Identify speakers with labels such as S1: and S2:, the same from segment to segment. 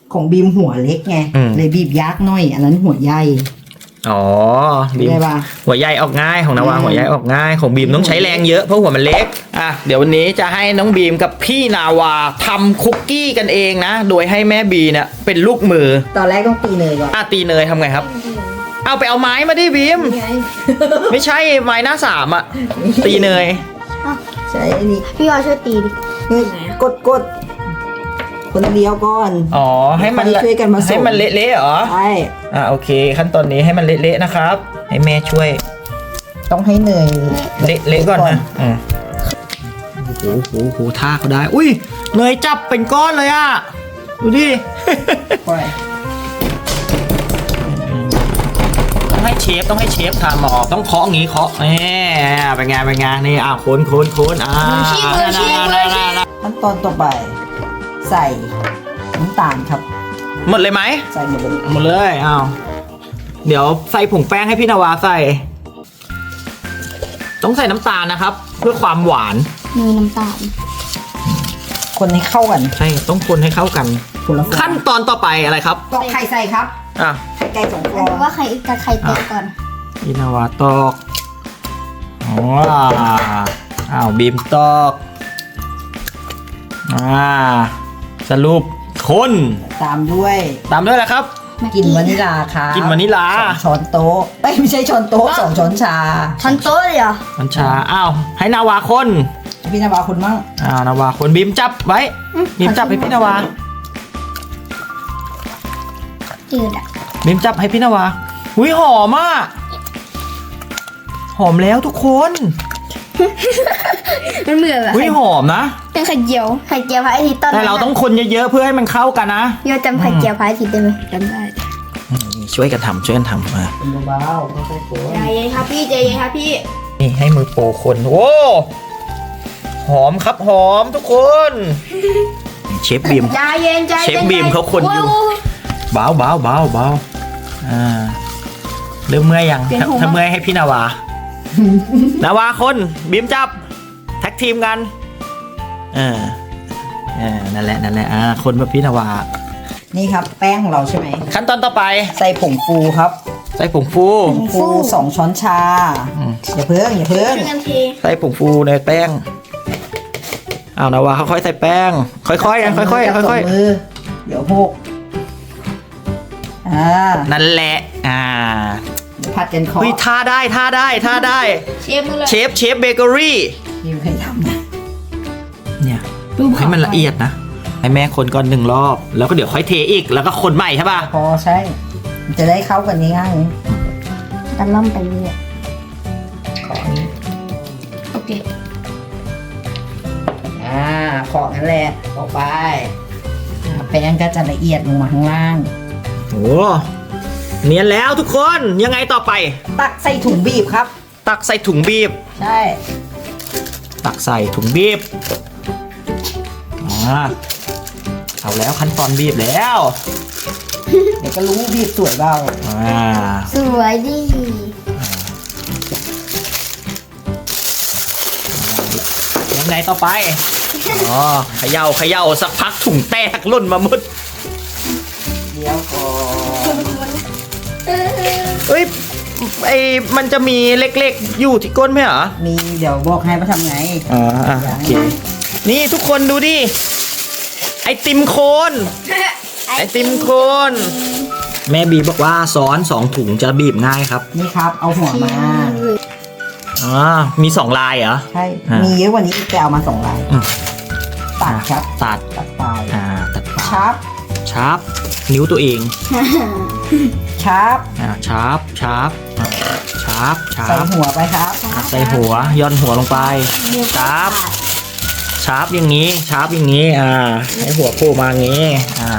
S1: ของบีมหัวเล็กไงเลยบีบยากหน่อยอันนั้นหัวใหญ่
S2: อ๋อบีมหัวใหญ่ออกง่ายของนาวาหัวใหญ่ออกง่ายของบีมต้องใช้แรงเยอะเพราะหัวมันเล็กเดี๋ยววันนี้จะให้น้องบีมกับพี่นาวาทำคุกกี้กันเองนะโดยให้แม่บีเนี่ยเป็นลูกมือ
S1: ตอนแรกต้องตีเนยก่อน
S2: ตีเนยทำไงครับเอาไปเอาไม้มาดิบีมไม่ใช่ไม้หน้าสามตีเนย
S1: ใช่อันนี้
S3: พี่วาช่วยตีดิ
S1: กดคนเดียวก่อน
S2: ให้มัน
S1: ช่วยกันมา
S2: ให้มันเละๆเหรอ
S1: ใช่
S2: โอเคขั้นตอนนี้ให้มันเละๆนะครับให้แม่ช่วย
S1: ต้องให้เนย
S2: เละๆก่อนนะโอ้โหท่าเขาได้อุ้ยเนยจับเป็นก้อนเลยดูดิต้องให้เชฟทำต้องเคาะงี้เคาะเป็นไงนี่คน
S1: ขั้นตอนต่อไปใส่น้ำตาลครับ
S2: หมดเลยไหม
S1: ใส่หมด
S2: เลยเดี๋ยวใส่ผงแป้งให้พี่นาวาใส่ต้องใส่น้ำตาลนะครับเพื่อความหวาน
S3: มีน้ำตาล
S1: คนให้เข้ากัน
S2: ใช่ต้องคนให้เข้ากันขั้นตอนต่อไปอะไรครับ
S1: ตอกไข่ใส่ครับไข่ไก่2 ฟอง
S3: ว่าไข่กับไข่แตกก่อน
S2: พี่นาวาตอกบีมตอกสรุปคน
S1: ตามด้วย
S2: อะไรครับ
S1: กินวานิลาครับ
S2: กินวานิลา
S1: 2 ช้อนโต๊ะไม่ใช่ช้อนโต๊ะ2 ช้อนชา
S3: ช้อนโต๊ะเลยเหรอ
S2: ช้อนชาให้นาวาคน
S1: พี่นาวาคนมั่ง
S2: นาวาคนบีมจับไว้บีมจับให้พี่นาวา
S3: จืด
S2: บีมจับให้พี่นาวาอุ้ยหอมหอมแล้วทุกคน
S3: มันเหมือน
S2: อุ้ยหอมนะ
S3: เป็นไข่เจียวพระอาทิตย์ตอน
S2: แต่เราต้องคนเยอะๆเพื่อให้มันเข้ากันนะ
S3: พี่จำไข่เจียวพระอาทิตย์ได้ไหมจำได้
S2: ช่วยกันทำ
S1: มาเบาๆค่อยๆคน
S3: ใจเย็นครับพี่
S2: นี่ให้มือโปรคนโอ้หอมครับหอมทุกคนเชฟบีม
S3: ใจเย็น
S2: เชฟบีมเขาคนอยู่เบาเริ่มเมื่อยยังถ้าเมื่อยให้พี่นาวาคนบีมจับแท็กทีมกันนั่นแหละคนแบบพี่นาวา
S1: นี่ครับแป้งของเราใช่ไหม
S2: ขั้นตอนต่อไป
S1: ใส่ผงฟูครับ
S2: ใส่ผงฟู
S1: 2 ช้อนชาอย่าเพิ่ง
S2: ใส่ผงฟูในแป้งนาวาค่อยๆใส่แป้งค่อยๆค่อย
S1: เดี๋ยวหก
S2: นั่นแหละ
S1: ผัดกันคอ
S2: ท่าได้เชฟเบเกอรี่
S1: นี่ใครทำ
S2: เนี่ยให้มันละเอียดนะให้แม่คนก่อน1 รอบแล้วก็เดี๋ยวค่อยเทอีกแล้วก็คนใหม่ใช่ป่ะ
S1: พอใช่จะได้เข้ากันง่ายๆ
S3: กันล่อมไปเรื่อยโอเค
S1: ขอนั่นแหละออกไปแป้งก็จะละเอียดลงมาข้างล่าง
S2: โอ้เนียนแล้วทุกคนยังไงต่อไป
S1: ตักใส่ถุงบีบครับ
S2: ตักใส่ถุงบีบ
S1: ใช่
S2: ตักใส่ถุงบีบเอาแล้วขั้นตอนบีบแล้ว
S1: เดี๋ยวก็รู้บีบสวยเปล่า
S3: สวยดิ
S2: ยังไงต่อไปเขย่าสักพักถุงแตกล่นมาหมด
S1: เดี๋ยวก่
S2: อนมันจะมีเล็กๆอยู่ที่ก้นไหมเหรอ
S1: มีเดี๋ยวบอกให้ว่าทำไง
S2: โอเคนี่ทุกคนดูดิไอติมโคน แม่บีบอกว่าซ้อน2 ถุงจะบีบง่ายครับ
S1: นี่ครับเอาหัวมา
S2: มี2 ลายเหรอ
S1: ใช่มีเยอะกว่านี้อีกแต่เอามา2 ลายตัดครับ
S2: ตัด
S1: ปลาย
S2: ตัดปลาย
S1: ชาร์ป
S2: นิ้วตัวเอง
S1: ชาร์ปใส่หัวไปครับ
S2: ใส่หัวย่อนหัวลงไปชาร์ปอย่างนี้ให้หัวโผล่มาอย่างนี้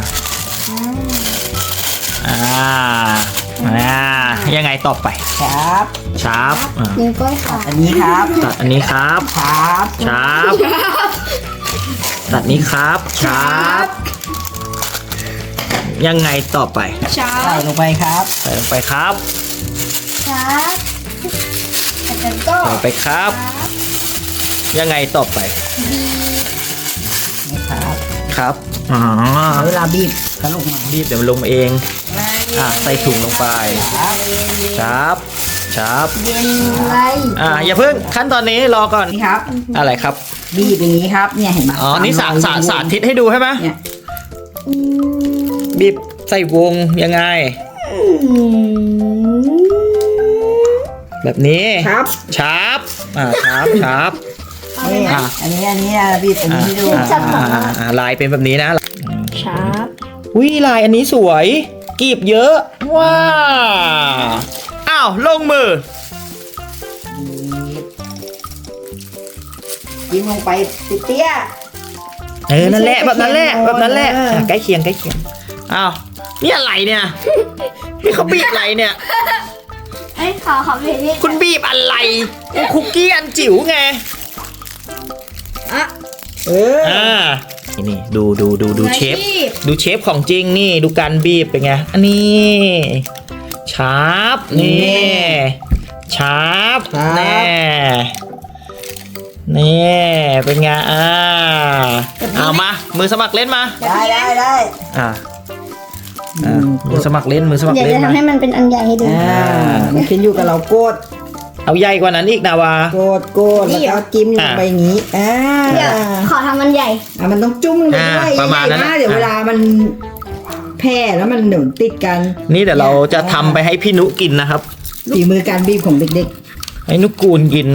S2: ยังไงต่อไป
S1: ชาร์ป
S3: นิ้วก้อยค่ะ
S1: อันนี้ครับ
S2: ตัดอันนี้ครับ
S1: ชาร์ป
S2: ตัดนี้ครับชาร์ปยังไงต่อไป
S1: ใส่ลงไปครับ
S2: ใส่ลงไปครับใส่ไปครับยังไงต่อไปครับอ๋อ
S1: เวลาบีบก็ลงมา
S2: บีบเดี๋ยวมันลงเองใส่ถุงลงไปครับครับ
S3: เย็นไร
S2: อย่าเพิ่งขั้นตอนนี้รอก่อน
S1: นี่ครับ
S2: อะไรครับ
S1: บีบอย่างนี้ครับเนี่ยเห็นไหม
S2: อ๋อนี่สาธิตให้ดูใช่ไหม
S1: เนี่ย
S2: บีบใส่วงยังไง แบบนี้
S1: ครับ
S2: ชาร์ปชาร์ป
S1: นี่
S2: อ่ะ
S1: อันนี้บีบอันนี้ให้ดู
S2: ลายเป็นแบบนี้นะ
S3: ชาร์ป
S2: วิลายอันนี้สวยกรีบเยอะว้าอ้าวลงมือ
S1: ยิ้มลงไปเตี้ย
S2: นั่นแหละแบบนั้นแหละ
S1: ไม่ใช่
S2: แบบนั้นแหละ
S1: ใกล้เคียง
S2: ใกล้เคียงอ้าวนี่อะไรเนี่ยนี่เขาบีบอะไรเนี่ย
S3: ไอ้ยขอเพลงนี้
S2: คุณบีบอะไรคุกกี้อันจิ๋วไง
S1: เออ
S2: นี่ดูเชฟดูเชฟของจริงนี่ดูการบีบเป็นไงอันนี้ชาร์ปนี่ชาร์ปแน่นี่เป็นไงเอามามือสมัครเล่นมา
S1: ได้
S2: มือสมัครเล่น
S3: เดี๋ยว
S2: เล่น
S3: จะ
S2: มา
S3: ทำให้มันเป็นอันใหญ่ให้ดู
S1: มันขึ้นอยู่กับเราโกด
S2: เอาใหญ่กว่านั้นอีกนาวา
S1: โกดแล้วก็จิ้มลงไปอย่างนี้
S3: เดี๋ยวขอทำมันใหญ่
S1: มันต้องจุ่มลงไปด้วย
S2: ประมาณนั้น
S1: เดี๋ยวเวลามันแพร่แล้วมันหนุนติดกัน
S2: นี่เดี๋ยวเราจะทำไปให้พี่นุกินนะครับ
S1: ฝีมือการบีบของเด็ก
S2: ให้นุกูลกิน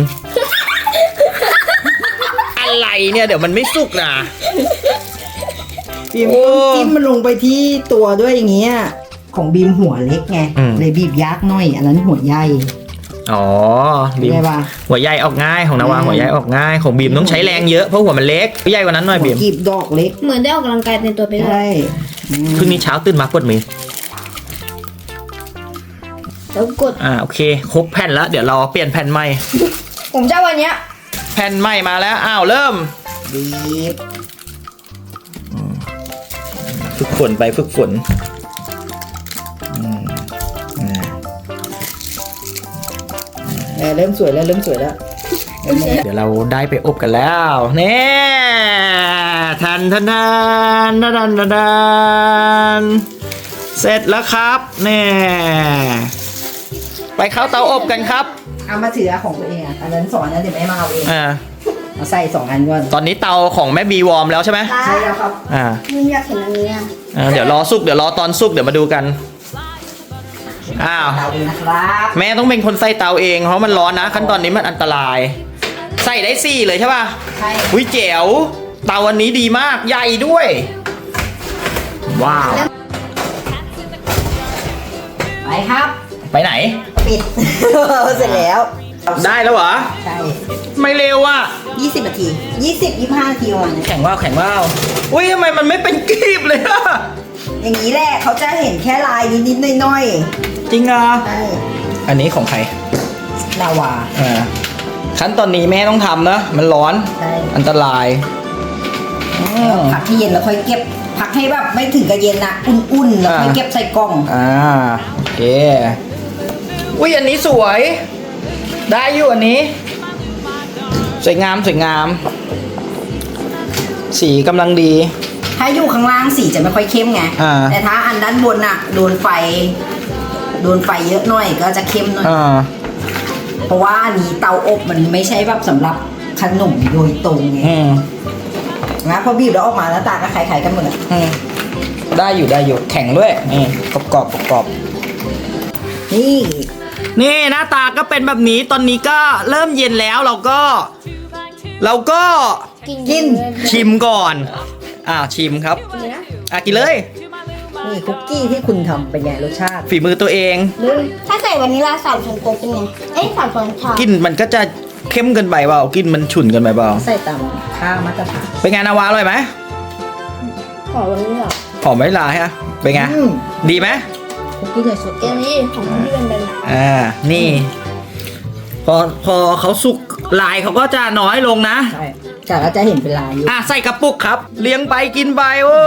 S2: อะไรเนี่ยเดี๋ยวมันไม่สุกนะ
S1: ๆบีมต้องจิ้มมันลงไปที่ตัวด้วยอย่างเงี้ยของบีมหัวเล็กไงเลยบีบยากหน่อยอันนั้นหัวใหญ่
S2: อ๋อบีม
S1: ได้ปะ
S2: หัวใหญ่ออกง่ายของนาวาหัวใหญ่ออกง่ายของบีมต้องใช้แรงเยอะเพราะหัวมันเล็กใหญ่กว่านั้นหน่อย
S1: หั
S2: บี
S1: ว
S2: ม
S1: กีบดอกเล็ก
S3: เหมือนได้ออกกำลังกายในตัวไปด้วย
S1: ใช่
S2: พรุ่งนี้เช้าตื่นมาปวดมือ
S3: แล้วกด
S2: โอเคครบแผ่นแล้วเดี๋ยวเราเปลี่ยนแผ่นใหม่
S3: ผมจะวันเนี้ย
S2: แผ่นใหม่มาแล้วอ้าวเริ่ม
S1: บีบ
S2: ฝึกฝนไปฝึกฝน
S1: เริ่มสวยแล้ว
S2: เดี๋ยวเราได้ไปอบกันแล้วเนี่ยทันเสร็จแล้วครับเนี่ยไปเข้าเตาอบกันครับ
S1: เอามาถือของตัวเองอันนั้นสอนนะเดี๋ยวแม่มาเอาเอง
S2: อ่า
S1: มาใส่2 อันก่อน
S2: ตอนนี้เตาของแม่บีวอร์มแล้วใช่ไหม
S1: ใช่แล้วครับ
S3: มันอยากเห็นอันนี้อ่ะ
S2: เดี๋ยวรอสุกเดี๋ยวรอตอนสุกเดี๋ยวมาดูกันอ้าว
S1: เตาเองนะครับ
S2: แม่ต้องเป็นคนใส่เตาเองเพราะมันร้อนนะขั้นตอนนี้มันอันตราย ใส่ได้4เลยใช่ป่ะ
S1: ใช่
S2: อุ้ยเจ๋วเตาอันนี้ดีมากใหญ่ด้วย ว้าว
S1: ไปครับ
S2: ไปไหน
S1: ปิด เสร็จแล้ว
S2: ได้แล้วเหรอ
S1: ใช่
S2: ไม่เร็วอ่ะ
S1: 20 นาที 25 นาทีวันนี้
S2: แข่งว่าวอุ้ยทำไมมันไม่เป็นกรีบเลยอะ
S1: อย่างนี้แหละเขาจะเห็นแค่ลายนิดๆหน่อย
S2: จริงเหรอ
S1: ๆใช่
S2: อันนี้ของใคร
S1: นาวา
S2: ขั้นตอนนี้แม่ต้องทำนะมันร้อน
S1: ใช่
S2: อันตราย
S1: พักให้เย็นแล้วค่อยเก็บ พักให้แบบไม่ถึงกับเย็นนะอุ่นๆแล้วค่อยเก็บใส่กล่อง
S2: โอเคอุ้ยอันนี้สวย ได้อยู่อันนี้ สวยงามสีกำลังดี
S1: ถ้าอยู่ข้างล่างสีจะไม่ค่อยเข้มไง แต่ถ้าอันด้านบนน่ะโดนไฟเยอะหน่อยก็จะเข้มหน่อย เพราะว่าอันนี้เตาอบมันไม่ใช่แบบสำหรับขนมโดยตรงไงนะพอบีบแล้วออกมาแล้วตาก็คล้ายๆกันหมดเลย
S2: ได้อยู่แข็งด้วยนี่กรอบ
S1: นี่
S2: นี่หน้าตาก็เป็นแบบนี้ตอนนี้ก็เริ่มเย็นแล้วเราก็
S1: กิน
S2: ชิมก่อนชิมครับกินเลย
S1: นี่คุกกี้ที่คุณทำเป็นไงรสชาติ
S2: ฝีมือตัวเอง
S3: ถ้าใส่วานิลลา3 ช้อนโต๊ะเป็นไง3 ช้อนชาก
S2: ลินมันก็จะเข้มเกินไปเปล่ากลินมันฉุนเกินไปเปล่า
S1: ใส่ตามค่ามาตรฐาน
S2: เป็นไงนาวาอร่อยไหม
S3: ขอวานิลลา
S2: หอมไม่ลาฮะเป็นไงดีไหม
S1: คุกกี้เลยสุด
S3: อันนี้ของที่เป็นแบบ
S2: นี่พอเขาสุกลายเขาก็จะน้อยลงนะ
S1: ใช่แต่เราจะเห็นเป็นลายอยู่
S2: ใส่กระปุกครับ เลี้ยงไปกินไปโอ้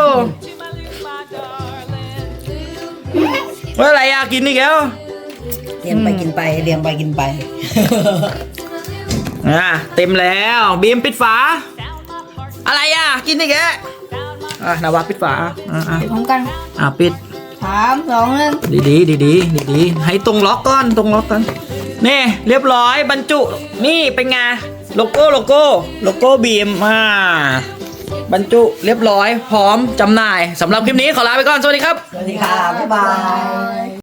S2: ว่าอะไรกินอีกแล้ว
S1: เรียงไปกินไปเรียงไปกินไป
S2: เต็มแล้วบีมปิดฝา อะไรกินอีกแล้วนาวาปิดฝา
S3: ไปพร้อมกัน
S2: ปิด
S3: 3 2 1
S2: ดีให้ตรงล็อกก่อนนี่เรียบร้อยบรรจุนี่เป็นไงโลโก้บีมบรรจุเรียบร้อยพร้อมจำหน่ายสำหรับคลิปนี้ขอลาไปก่อนสวัสดีครับ
S1: สวัสดีค่ะบ๊ายบาย